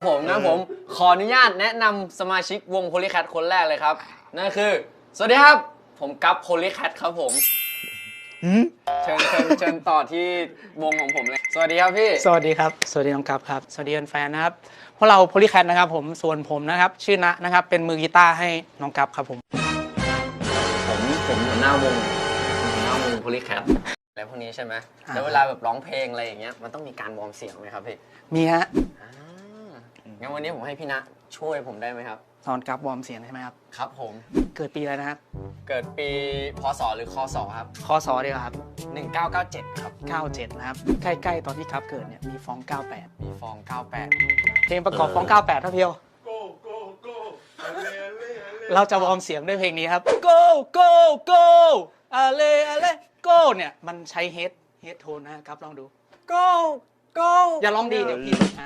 ผมขออนุญาตแนะนำสมาชิกวง Polycat คนแรกเลยครับนั่นคือสวัสดีครับผมกั๊บ Polycat ครับผมเชิญต่อที่วงของผมเลยสวัสดีครับพี่สวัสดีครับสวัสดีน้องกั๊บครับสวัสดีแฟนๆนะครับพวกเรา Polycat นะครับผมส่วนผมนะครับชื่อณนะครับเป็นมือกีตาร์ให้น้องกั๊บครับผมหัวหน้าวงPolycat แล้วพวกนี้ใช่ไหมแล้วเวลาแบบร้องเพลงอะไรอย่างเงี้ยมันต้องมีการวอร์มเสียงไหมครับพี่มีฮะงั้นวันนี้ผมให้พี่ณช่วยผมได้ไหมครับสอนกั๊บวอร์มเสียงใช่ไหมครับครับผมเกิดปีอะไรนะครับเกิดปีพศหรือคศครับคศดีกว่าครับ 1997ครับ 97นะครับใกล้ๆตอนที่กั๊บเกิดเนี่ยมีฟอง98 มีฟอง98 เพลงประกอบฟอง98ท่าเพียวเราจะวอร์มเสียงด้วยเพลงนี้ครับ go go go อะไรgo เนี่ยมันใช้เฮดโทนนะครับลองดู go go อย่าร้องดีเดี๋ยวพี่อ่าน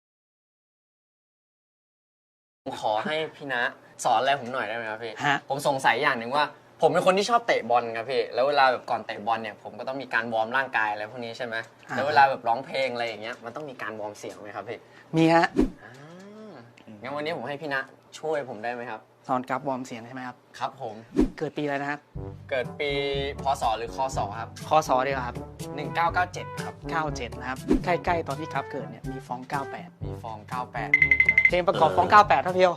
ขอให้พี่ณสอนอะไรผมหน่อยได้ไหมครับพี่ฮะผมสงสัยอย่างหนึ่งว่าผมเป็นคนที่ชอบเตะบอลครับพี่แล้วเวลาแบบก่อนเตะบอลเนี่ยผมก็ต้องมีการวอร์มร่างกายอะไรพวกนี้ใช่ไหมแล้วเวลาแบบร้องเพลงอะไรอย่างเงี้ยมันต้องมีการวอร์มเสียงไหมครับพี่มีฮะงั้นวันนี้ผมให้พี่ณช่วยผมได้ไหมครับสอนกั๊บวอร์มเสียงใช่ไหมครับครับผมเกิดปีอะไรนะครับเกิดปีพศหรือคศครับคศดีกว่าครับ 1997ครับ 97นะครับใกล้ๆตอนที่กั๊บเกิดเนี่ยมีฟอง98 มีฟอง98 เพลงประกอบฟอง98ท่าเพียว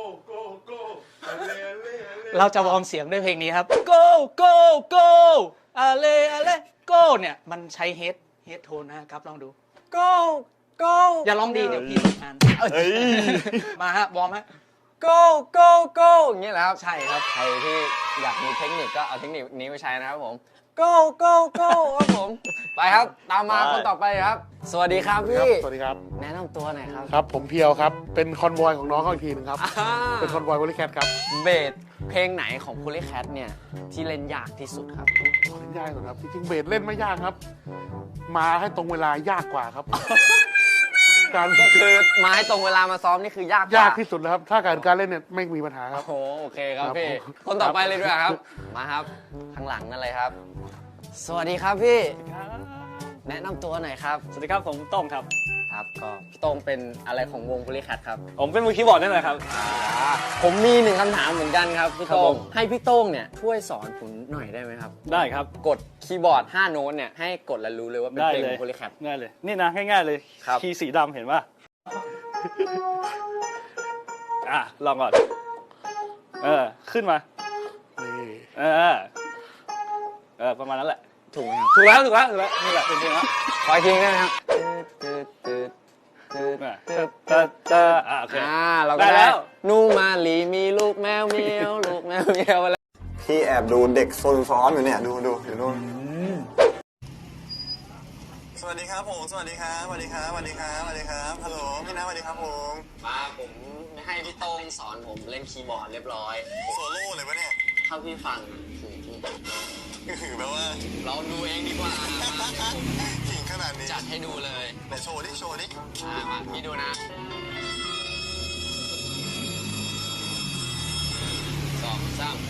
เราจะวอร์มเสียงด้วยเพลงนี้ครับ go go go อะไรgo เนี่ยมันใช้เฮดโทนนะครับลองดู go go อย่าร้องดีเดี๋ยวพี่อ่านมาฮะวอร์มฮะ go go go อย่างเงี้ยแหละครับใช่ครับใครที่อยากมีเทคนิคก็เอาเทคนิคนี้ไปใช้นะครับผม go go go ครับผมไปครับตามมาคนต่อไปครับสวัสดีครับพี่สวัสดีครับแนะนำตัวหน่อยครับครับผมเพียวครับเป็นคอนวอยของน้องเขาอีกทีนึงครับเป็นคอนวอยPolycatครับเบสเพลงไหนของ Polycat เนี่ยที่เล่นยากที่สุดครับเล่นยากสุดครับจริงๆเบสเล่นไม่ยากครับมาให้ตรงเวลายากกว่าครับการคือมาให้ตรงเวลามาซ้อมนี่คือยากที่สุดแล้วครับถ้าการเล่นเนี่ยไม่มีปัญหาครับโอเคครับพี่คนต่อไปเลยด้วยครับมาครับข้างหลังนั่นเลยครับสวัสดีครับพี่แนะนำตัวหน่อยครับสวัสดีครับผมโต้งครับครับก็พี่โต้งเป็นอะไรของวง Polycat ครับผมเป็นมือคีย์บอร์ดนั่นแหละครับผมมีหนึ่งคำถามเหมือนกันครับพี่โต้งให้พี่โต้งเนี่ยช่วยสอนผมหน่อยได้ไหมครับได้ครับกดคีย์บอร์ด5โน้ตเนี่ยให้กดแล้วรู้เลยว่าเป็นเพลงของ Polycat ง่ายเลยนี่นะง่ายๆเลยคีย์สีดำเห็นป่ะลองก่อนขึ้นมาประมาณนั้นแหละถูกไหมครับถูกแล้วนี่แหละเป็นเพลงแล้วขออีกทีได้ไหมครับโอเคเราก็ได้นูมาลีมีลูกแมวเมียวลูกแมวเมียวอะไรพี่แอบดูเด็กโซนซ้อมอยู่เนี่ยดูอยู่นู่นสวัสดีครับผมสวัสดีครับฮัลโหลพี่น้าสวัสดีครับผมผมให้พี่โต้งสอนผมเล่นคีย์บอร์ดเรียบร้อยโซโล่เลยวะเนี่ยถ้าพี่ฟังคือแปลว่าเราดูเองดีกว่าขิงขนาดนี้จัดให้ดูเลยไหนโชว์ดิมาพี่ดูนะ2 3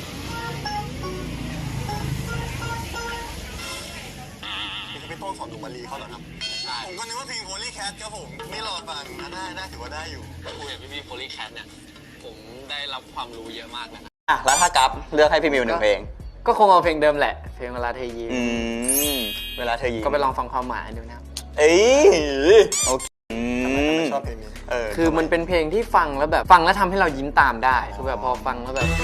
นี่คือพี่โต้งสอนดูมารีเขาเหรอครับผมก็นึกว่าเพลง Polycat ครับผมไม่รอฟังน่าถือว่าได้อยู่คุยกับพี่ Polycat เนี่ยผมได้รับความรู้เยอะมากนะแล้วถ้ากั๊บเลือกให้พี่มิว1เพลงก็คงเอาเพลงเดิมแหละเพลงเวลาเธอยิ้มเวลาเธอยิ้มก็ไปลองฟังความหมายดูนะโอเคชอบเพลงนี้คือมันเป็นเพลงที่ฟังแล้วแบบฟังแล้วทำให้เรายิ้มตามได้คือแบบพอฟังแล้วแบบ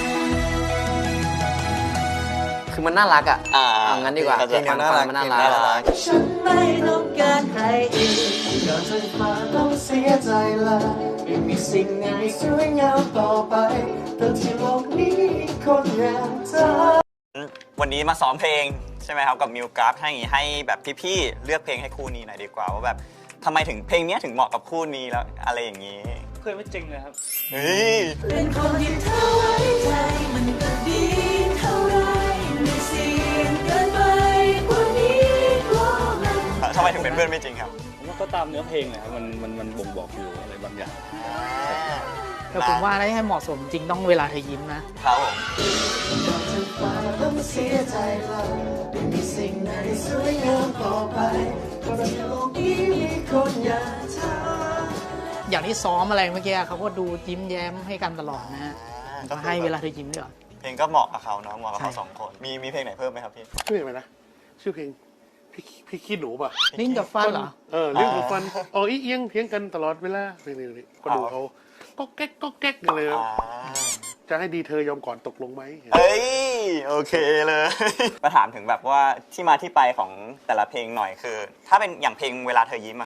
คือมันน่ารักอ่ะเอางั้นดีกว่าเพลงมันน่ารักมันน่ารักฉันไม่ต้องการใครอีกก่อนจะมาต้องเสียใจละไม่มีสิ่งไหนสวยงามต่อไปแต่ที่โลกนี้คนอย่างเธอวันนี้มาซ้อมเพลงใช่ไหมครับกับมิวกั๊บให้แบบพี่ๆเลือกเพลงให้คู่นี้หน่อยดีกว่าว่าแบบทำไมถึงเพลงนี้ถึงเหมาะกับคู่นี้แล้วอะไรอย่างนี้เคยไม่จริงเลยครับเป็นคนที่เธอไว้ใจมันก็ดีเท่าไรไม่เสี่ยงเกินไปกว่านี้กลัวมันทำไมถึงเป็นเพื่อนไม่จริงครับผมว่าก็ตามเนื้อเพลงเลยครับมันบ่งบอกอยู่อะไรบางอย่างแต่ผมว่าให้เหมาะสมจริงต้องเวลาเธอยิ้มนะครับผมต้องเสียใจละไม่มีสิ่งไหนสวยงามต่อไปเพราะในโลกนี้มีคนอย่างเธออย่างที่ซ้อมอะไรเมื่อกี้เขาก็ดูยิ้มแย้มให้กันตลอดนะฮะก็ให้เวลาเธอยิ้มด้วยเพลงก็เหมาะกับเขาเนาะเหมาะกับเขาใช่สองคนมีเพลงไหนเพิ่มไหมครับพี่ชื่อเพลงอะไรนะ ชื่อเพลงพี่ขี้หนูป่ะลิ้นกับฟันเหรอเรื่องของฟันอ๋ออีเอียงเพียงกันตลอดเวลาเพลงนี้ก็ดูเขาก็แก๊กก็แก๊กกันเลย จะให้ดีเธอยอมก่อนตกลงไหมเอ้ยโอเคเลย มาถามถึงแบบว่าที่มาที่ไปของแต่ละเพลงหน่อยคือ ถ้าเป็นอย่างเพลงเวลาเธอยิ้มอะ